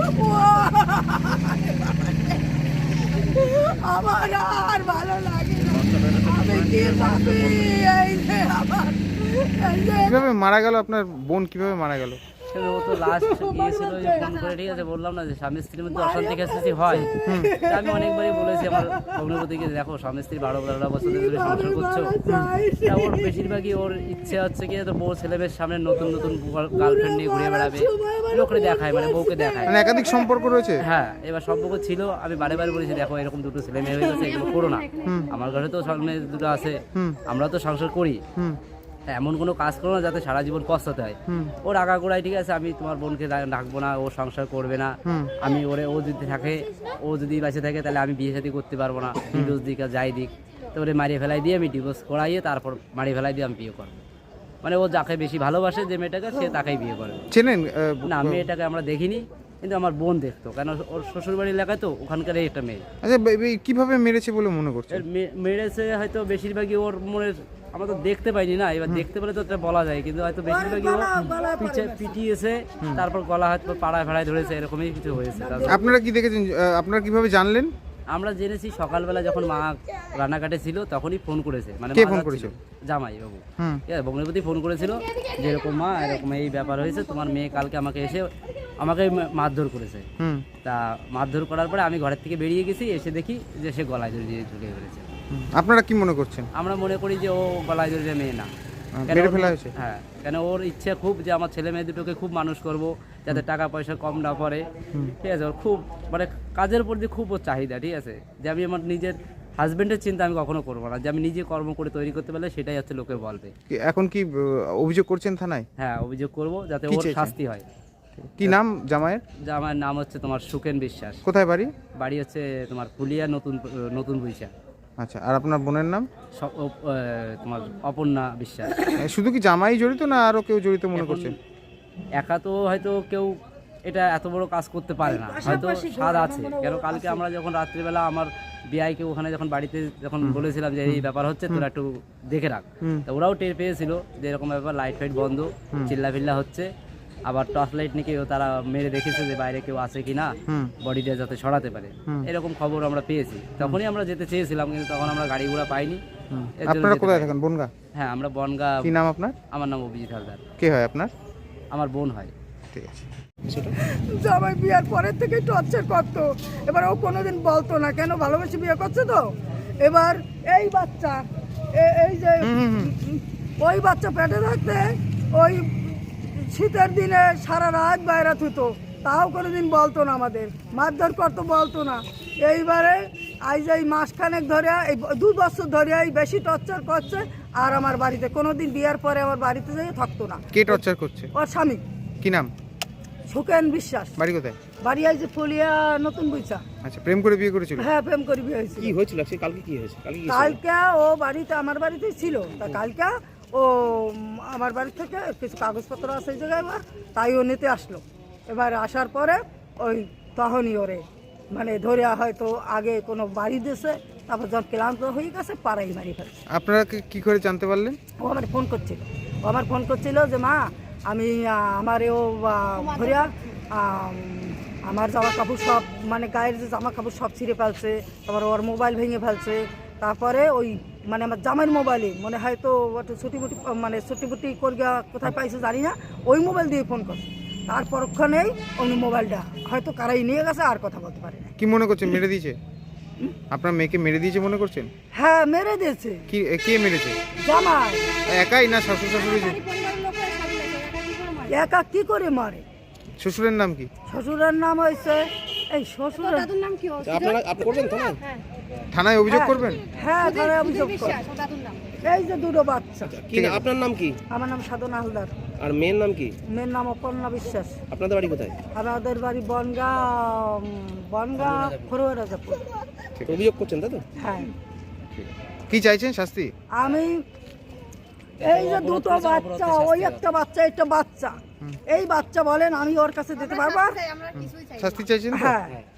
আমার আর ভালো লাগে না। আমি কি ভাবি এই যে আমার কিভাবে মারা গেল আপনার বোন, কিভাবে মারা গেল? ও তো লাস্ট গিয়েছিল যে ফোন করে, ঠিক আছে, বললাম না যে স্বামী স্ত্রীর মধ্যে অশান্তি খেসাছি হয়। তা আমি অনেকবারই বলেছি আমার ভগ্নিপতিকে, দেখো স্বামী স্ত্রী 12-13 বছর ধরে সংসার করছো। তা ওর বেশিরভাগই ওর ইচ্ছে হচ্ছে কি তো বউ ছেলেমেয়ের সামনে নতুন নতুন গার্লফ্রেন্ড নিয়ে ঘুরে বেড়াবে, লোকরে দেখায়, মানে বউকে দেখায়। মানে একাধিক সম্পর্ক রয়েছে? হ্যাঁ, এবার সম্পর্ক ছিল। আমি বারে বারে বলেছি দেখো এরকম দুটো ছেলে মেয়ে হয়ে গেছে, এগুলো করো না। আমার ঘরে তো সামনে দুটো আছে, আমরা তো সংসার করি, এমন কোনো কাজ করো না যাতে সারা জীবন পস্তাতে হয়। ওর আগাগোড়ায় ঠিক আছে, আমি তোমার বোনকে ডাকবো না, ও সংসার করবে না, আমি ওরে, ও যদি থাকে, ও যদি বেঁচে থাকে তাহলে আমি বিয়ে শাদী করতে পারবো না, ডিভোর্স দিক আর যাই দিক, তো ওরে মারিয়ে ফেলাই দিয়ে আমি ডিভোর্স করাইয়ে তারপর মারিয়ে ফেলাই দিয়ে আমি বিয়ে করবো। মানে ও যাকে বেশি ভালোবাসে যে মেয়েটাকে, সে তাকেই বিয়ে করবে। চেনেন? না, মেয়েটাকে আমরা দেখিনি, কিন্তু আমার বোন দেখতো, কেন ওর শ্বশুরবাড়ি এলাকায় তো, ওখানকার একটা মেয়ে। আচ্ছা, কিভাবে মেরেছে বলে মনে করছে? মেরেছে হয়তো বেশিরভাগই ওর মনের, আমরা তো দেখতে পাইনি না, এবার দেখতে পেলে তো এটা বলা যায়, কিন্তু হয়তো বেশিরভাগই ও পিটিয়েছে, তারপর গলা হয়তো পাড়ায় ফাড়ায় ধরেছে, এরকমই কিছু হয়েছে। আপনারা কি দেখেছেন? আপনারা কিভাবে জানলেন? আমরা জেনেছি সকালবেলা যখন মা রান্নাঘাটে ছিল তখনই ফোন করেছে। মানে কে ফোন করেছিল? জামাই বাবু, ভগ্নিপতি ফোন করেছিল যে এরকম মা, এরকম এই ব্যাপার হয়েছে, তোমার মেয়ে কালকে আমাকে এসে আমাকে মারধর করেছে। তা মারধর করার পরে আমি ঘরের থেকে বেরিয়ে গেছি, এসে দেখি যে সে গলায় জড়িয়ে ঝুঁকে ফেলেছে। আপনারা কি মনে করছেন? আমরা মনে করি যে ও গলায় জড়িয়ে মেয়ে না, মেরে ফেলা হয়েছে। হ্যাঁ, কেন ওর ইচ্ছে খুব যে আমার ছেলে মেয়ে দুটোকে খুব মানুষ করব, যাতে টাকা পয়সা কম না পড়ে, ঠিক আছে। ওর খুব মানে কাজের প্রতি খুব ওর চাহিদা, ঠিক আছে, যে আমি আমার নিজের হাজবেন্ডের চিন্তা আমি কখনো করবো না, যে আমি নিজে কর্ম করে তৈরি করতে পারলে সেটাই হচ্ছে লোকে বলবে। এখন কি অভিযোগ করছেন থানায়? হ্যাঁ, অভিযোগ করব যাতে ওর শাস্তি হয়। কি নাম জামাইয়ের? জামাইয়ের নাম হচ্ছে তোমার সুকেন বিশ্বাস। কোথায় বাড়ি? বাড়ি হচ্ছে তোমার ফুলিয়া নতুন বৈশা। আচ্ছা, আর আপনার বোনের নাম? তোমার অপর্ণা বিশ্বাস। শুধু কি জামাই জড়িত না আরো কেউ জড়িত মনে করছেন? একা তো হয়তো কেউ এটা এত বড় কাজ করতে পারে না, হয়তো স্বাদ আছে। কেন কালকে আমরা যখন রাত্রিবেলা আমার বিআইকে ওখানে যখন বাড়িতে যখন বলেছিলাম যে এই ব্যাপার হচ্ছে, তোরা একটু দেখে রাখ, তা ওরাও টের পেয়েছিল যে এরকম ব্যাপার, লাইট ফাইট বন্ধ, চিল্লাফিল্লা হচ্ছে, আবার টর্চ লাইট নিয়ে কেউ তারা মেরে দেখেছে যে বাইরে কেউ আছে কিনা, বডিটা যাতে সরাতে পারে, এরকম খবর আমরা পেয়েছি। তখনই আমরা যেতে চেয়েছিলাম, কিন্তু তখন আমরা গাড়ি ঘোড়া পাইনি। আপনারা কোথায় থাকেন? বনগা? হ্যাঁ, আমরা বনগা। কি নাম আপনার? আমার নাম অভিজিৎ হালদার। কে হয় আপনার? আমার বোন হয়। ঠিক আছে। জামাই বিয়ার পরের থেকে টর্চার করতো, এবার ও কোনোদিন বলতো না, কেন ভালোবেসে বিয়ে করছে তো। এবার এই বাচ্চা, এই যে ওই বাচ্চা পেটে থাকতে ওই শীতের দিনে সারা রাত বাইরে থুতো, তাও কোনোদিন বলতো না, আমাদের মারধর করতো, বলতো না। এইবারে আজ এই মাসখানেক ধরে, এই 2 বছর ধরে এই বেশি টর্চার করছে। আর আমার বাড়িতে কোনোদিন বিয়ার পরে আমার বাড়িতে যেয়ে থাকতো না। কে টর্চার করছে? ওর স্বামী। কি নাম? সুকেন বিশ্বাস। বাড়ি কোথায়? বাড়ি এই যে ফুলিয়া নতুন বৈশা। আচ্ছা, প্রেম করে বিয়ে করেছিল? হ্যাঁ, প্রেম করে বিয়ে হয়েছিল। কি হয়েছিল কালকে? কি হয়েছে কালকে? ও বাড়িতে, আমার বাড়িতেই ছিল। তা কালকে ও আমার বাড়ি থেকে কিছু কাগজপত্র আছে এই জায়গায়, তাই ও নিতে আসলো। এবার আসার পরে ওই তখনই ওরে মানে ধরে হয়তো আগে কোনো বাড়ি দিয়েছে, তারপর যখন ক্লান্ত হয়ে গেছে পাড়াই মারি ফেলছে। আপনারা কি করে জানতে পারলেন? ও আমার ফোন করছিল, যে মা আমি আমারেও ধরিয়া আমার জামা কাপড় সব, মানে গায়ের যে জামা কাপড় সব ছিঁড়ে ফেলছে, তারপর ওর মোবাইল ভেঙে ফেলছে। তারপরে ওই মানে আমার জামাইয়ের মোবাইলে মনে হয়তো ছুটিমুটি করিয়া কোথায় পাইছে জানি না, ওই মোবাইল দিয়ে ফোন করছে। তারপর ওখানেই অন্য মোবাইলটা হয়তো কারাই নিয়ে গেছে, আর কথা বলতে পারে না। কি মনে করছেন মেরে দিয়েছে? আপনার মেয়েকে মেরে দিয়েছে মনে করছেন? হ্যাঁ, মেরে দিয়েছে। কে মেরেছে? জামাই। একাই না শ্বশুর শাশুড়ি? একা কি করে মারে? শ্বশুরের নাম কি? শ্বশুরের নাম হয়েছে এই শ্বশুরের নাম কি? আপনি করবেন থানায় অভিযোগ করবেন? হ্যাঁ, থানায় অভিযোগ করব। এই যে 2 বাচ্চা। কি না আপনার নাম কি? আমার নাম সাধনা হালদার। আর মেয়ের নাম কি? মেয়ের নাম অপর্ণা বিশ্বাস। আপনাদের বাড়ি কোথায়? আমাদের বাড়ি বনগা ফরোয়া রাজাপুর। অভিযোগ করছেন তাই তো? হ্যাঁ। কি চাইছেন শাস্তি? আমি এই যে 2 বাচ্চা, ওই একটা বাচ্চা, একটা বাচ্চা, এই বাচ্চা বলেন আমি ওর কাছে দিতে পারবো? শাস্তি চাইছেন? হ্যাঁ।